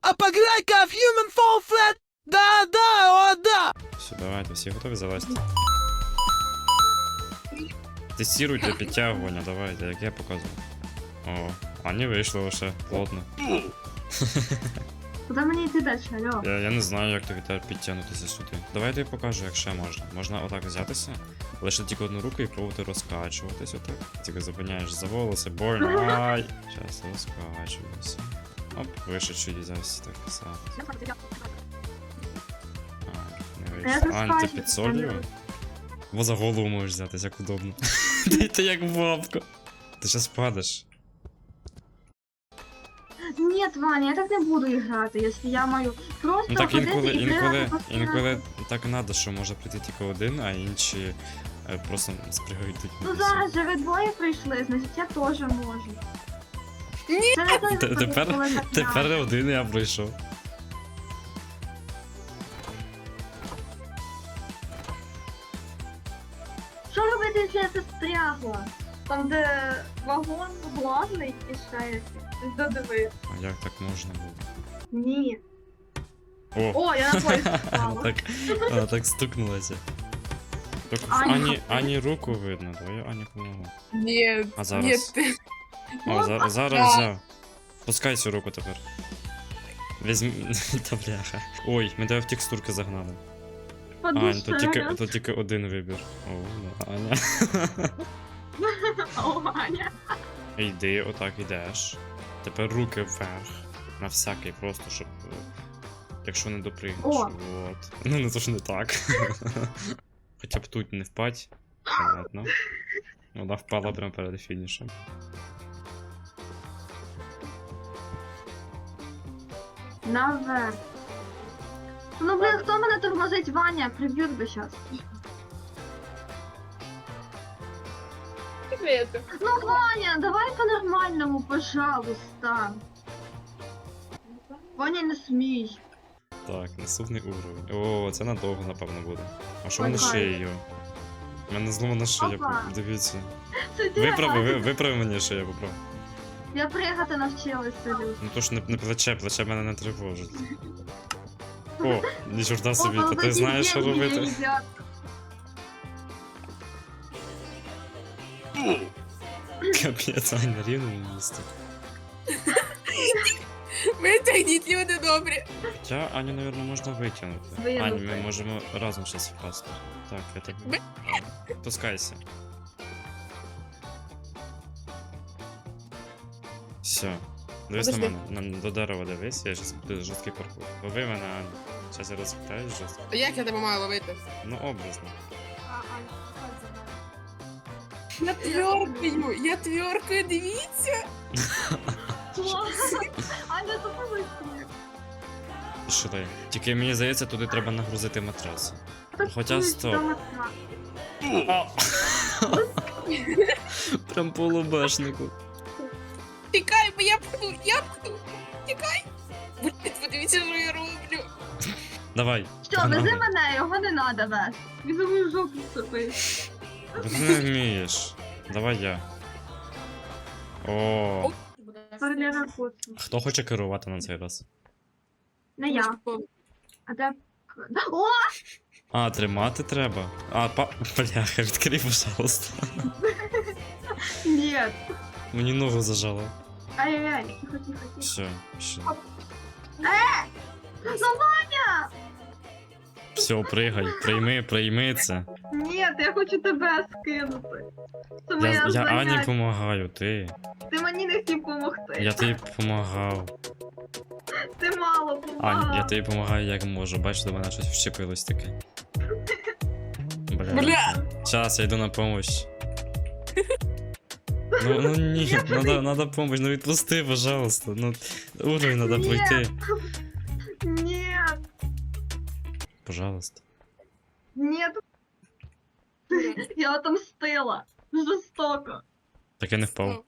А поглянь-ка в Human Fall Flat! Да, о, да! Все, давайте, всі готові залазити? Тестируйте підтягування, давайте, як я показую. О, а не вийшло лише, плотно. Куди мені йти далі, алло? Я не знаю, як тобі тепер підтягнутися сюди. Давай я тобі покажу, як ще можна. Можна отак взятися, лише тільки одну руку і пробувати розкачуватись отак. Тільки зупиняєш за волоси, больно, ай! Зараз розкачуємося. Оп, вище чуть зараз так писати. Не вийшло. Ань, ти під солью? Бо за голову можеш взятись, як удобно. Ти як бабка. Ти щас падеш. Ні, Ваня, я так не буду грати, якщо я маю просто Ну так ходити і бігати по інколи так надо, що може прийти тільки один, а інші просто спригають тут. Ну зараз же ви двоє прийшли, значить я теж можу. Ні! Це не той випадок, Тепер коли так тепер надо. один я пройшов. Що робити, якщо я застрягла? Там, де вагон главний і ще якийсь. Додиви. А як так можна було? Ні. О! О, я на поїзд впала. Так стукнулася. Так, Аня. Ані руку видно, давай Ані помогу. Ні, А зараз? ні, ти. О, зараз взяв. Пускай цю руку тепер. Візьми. Та бляха. Ой, ми тебе в текстурки загнали. Ань, тут тільки один вибір. О, да, Аня. О, Аня. Йди, отак йдеш. Тепер руки вверх. На всякий, просто щоб. Якщо не допригнеш. О. От. Ну не то ж не так. Хоча б тут не впать. Ладно. Вона впала прямо перед фінішем. Наверх. Ну, блин, хто мене тормозить, Ваня? Приб'ють би щас. Привіт. Ну, Ваня, давай по-нормальному, пожалуйста. Ваня, не смій. Так, наступний уровень. О, це надовго, напевно, буде. А що Ой, мене кайф. шиєю? У мене зломана шия, Опа. дивіться. Це ти? Виправи мені шию, поправ. Я пригати навчилась, салют. Ну то ж не плече мене не тривожить. О, ні чорта собі, О, та ти такі знаєш, що деньги робити. їдять. Капець, Аня, рівно в місті. Витягніть, люди добрі. Хоча Аню, мабуть, можна витягнути. Винути. Ань, ми можемо разом щас впасти. Так, я так. Пускайся. Все. Дивись на Подожди. мене, до дерева дивись, я щас буду жорсткий паркур. Лови мене, Аня. Щас я розпитаюсь жорстко. А як я тебе маю ловити? Ну, образно. Я тверкаю, дивіться. Аня, допоможи. Що дай? Тільки мені здається, туди треба нагрузити матрас. Хоча стоп. Прям по лобешнику. Тікай, бо я пхну. Тікай. Блять, подивіться, що я роблю. Давай. Що, вези мене, його не надо вести. Він за мою жопу вступив. Бо ти не вмієш. Давай я. О, Паралера куцу. хто хоче керувати на цей раз? Не я. А де... О! А, тримати треба. А, бляха, відкрий, пожалуйста. Ні. Мені ногу зажало. Ай-яй-яй, тихо, тихо, тихо. Все, все. Ну, Ваня! Все, пригай, прийми це. Ні, я хочу тебе скинути. Це моє Я Ані заняття. помагаю, ти. Ти мені не хотів допомогти. Я тобі помагав. Ти мало Ань, допомагав. я тобі допомагаю як можу. Бачиш, до мене щось вщепилось таке. Бля. Сейчас, я йду на помощь. Ну ні, надо помощь, ну відпусти, пожалуйста. Ну, уровень надо Ні. пройти. Ні, Пожалуйста. ні. Я отомстила. Жорстоко. Так я не впав.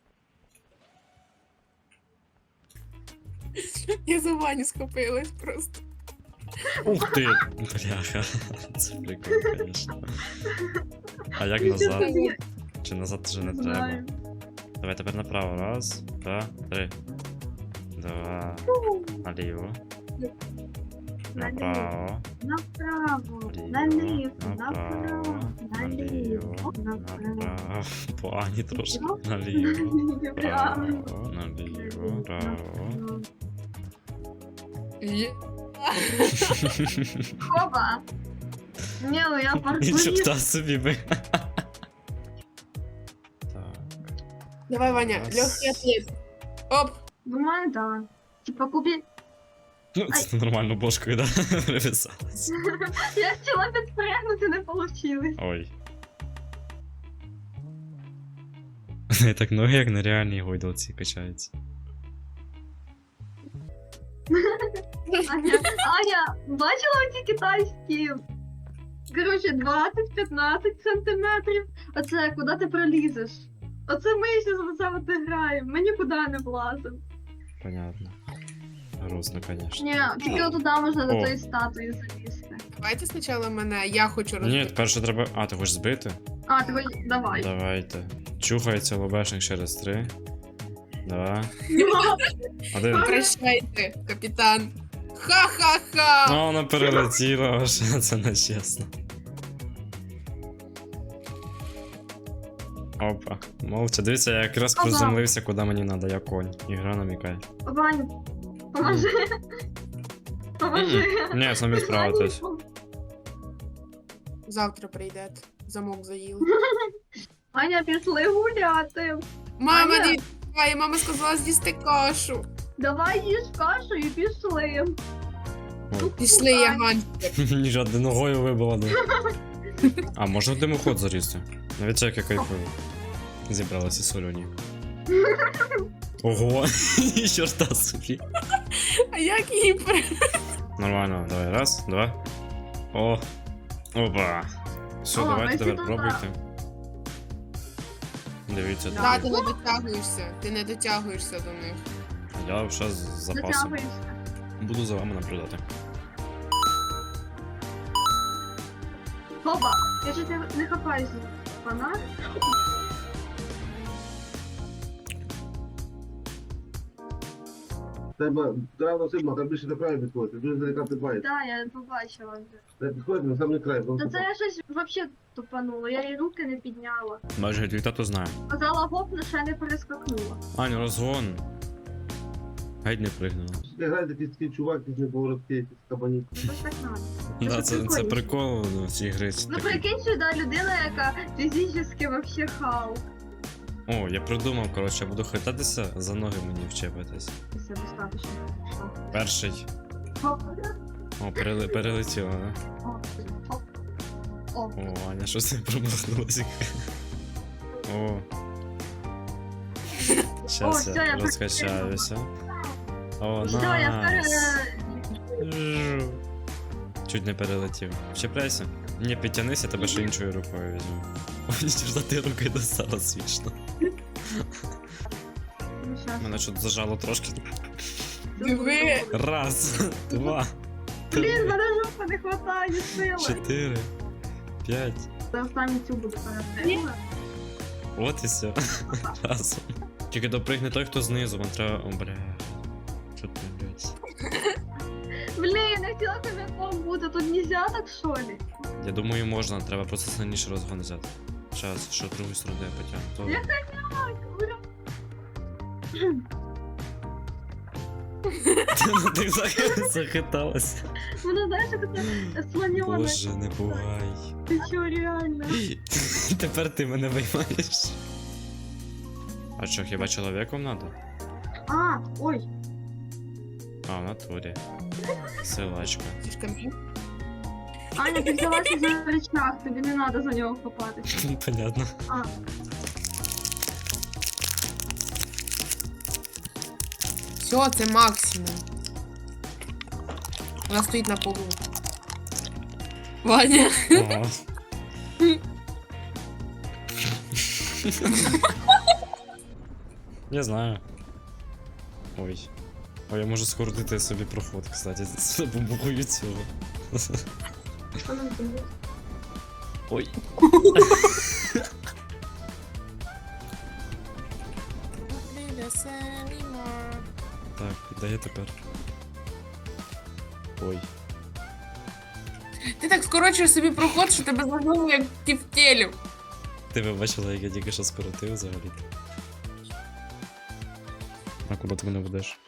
Я за Ваню схопилась просто. Ух ти! Бляха. Це прикол, конечно. А як назад? Чи назад вже не треба? Знаю. Давай тепер направо. Раз, два, три. Два. Наліво. Направо. Направо, Ліво. наліво, Направо. направо, наліво, направо. Направо. По Ані трошки. Наліво. Правильно. Право. Наліво. Право. Є. Хоба! Ні, ну я І паркуріст. чорта собі би. Так. Давай, Ваня, Раз. легкий ответ. Оп. Думаю, да. Типа купи... Ну, це нормально бошкою, да? Привисалась. Я хотіла підпрягнути, не получилось. Ой. Не так ноги, як на реальній гойдалці качаються. Аня, бачила ці китайські? Коротше, 20-15 сантиметрів. Оце куди ти пролізеш? Оце ми ще за це от і граємо. Ми нікуди не влазимо. Понятно. Грустно, конечно. Ні, тільки отуди можна до О. тої статуї залізти. Давайте спочатку мене, я хочу Ні, розбити. перше треба. А, ти хочеш збити? А, ти хоч давай. Давайте. Чухається лобешник через 3. 2. 1. Прощайте, капітан. Ха-ха-ха! Ну, вона перелетіла, аж це нечесно. Опа. Молча, дивіться, я якраз Опа. приземлився, куди мені треба, я конь. Ігра намікає. Вань, поможи. Поможи. Ні, самі справитесь. Завтра прийдете. Замок заїли. Аня, пішли гуляти. Мама, Аня. дивіться, мама сказала з'їсти кашу. Давай їж кашу і пішли. Ой. Пішли, я гонщик. Мені жодне ногою вибила, да. А, можна в димоход залізти? Навіть як я кайфую. Зібралися солюні. Ого, чорта собі. А як її Нормально, давай, раз, два. О, опа. Все, О, давайте ми тепер сюди. пробуйте. Дивіться, Да, тут. ти не дотягуєшся. Ти не дотягуєшся до них. Я вже з запасом. Затягуєшся. Буду за вами наблюдати. Хоба, я ж не хапаюся. Фонарик? Треба рано сильно, там більше до краю підходити, дуже далека підбається. Да, я побачила вже. Треба підходити на самий край. Та це я щось вообще тупанула, я її руки не підняла. Майже твій тато знає. Казала гоп, но ще не перескакнула. Аню, розгон. Геть не пригнула. Грає такий чувак, який поворотки, якісь кабані. Що ж так надо? Да, це прикольно. прикол ну, в цій гри. Ну прикинь, що да, людина, яка фізично вообще хау. О, я придумав, коротше, я буду хитатися, за ноги мені вчепитись. Все достаточно. Перший. Хоп, О, перелетіло, да? хоп, хоп. О, О, Аня, щось не промахнулася. О. Щас всё, я я розкачаюся. О, все, я найс. скоро... Жу. Чуть не перелетів. Чіпляйся. Ні, підтянися, я тебе ще іншою рукою візьму. О, нічого, ти руки достала смішно. Ну, щас. Мене що зажало трошки. Диви. Раз, два, Блін, три, мене жопа не хватає сили. 4, 5. За останню цю буду перестрілювати. От і все. Разом. Тільки допригне той, хто знизу, вам треба. О, бля. Що ти, блядь? Блін, я не хотіла козаком бути, тут нельзя так, що ли? Я думаю, можна, треба просто сильніше розгон взяти. Щас, що другу сторону я потягну. Я То... Так, ура. Ти захиталася. Воно, знаєш, як це слоньоне. Боже, не бувай. Ти чо, реально? Тепер ти мене виймаєш. А що, хіба чоловіком надо? А, ой. А, в натурі. Силачка. Тішками. Аня, ти взялася за речах, тобі не треба за нього хапатися. Понятно. А, Все, це максимум. Вона стоїть на полу. Ваня. Ого. Я знаю. Ой. Ой, я можу скоротити собі проход, кстати, з допомогою цього. що нам тут? Ой. Так, де я тепер? Ой. Ти так скорочуєш собі проход, що тебе загнуло як тівтєлю. Ти ви бачила, як я тільки що скоротив взагалі? А куди ти мене ведеш?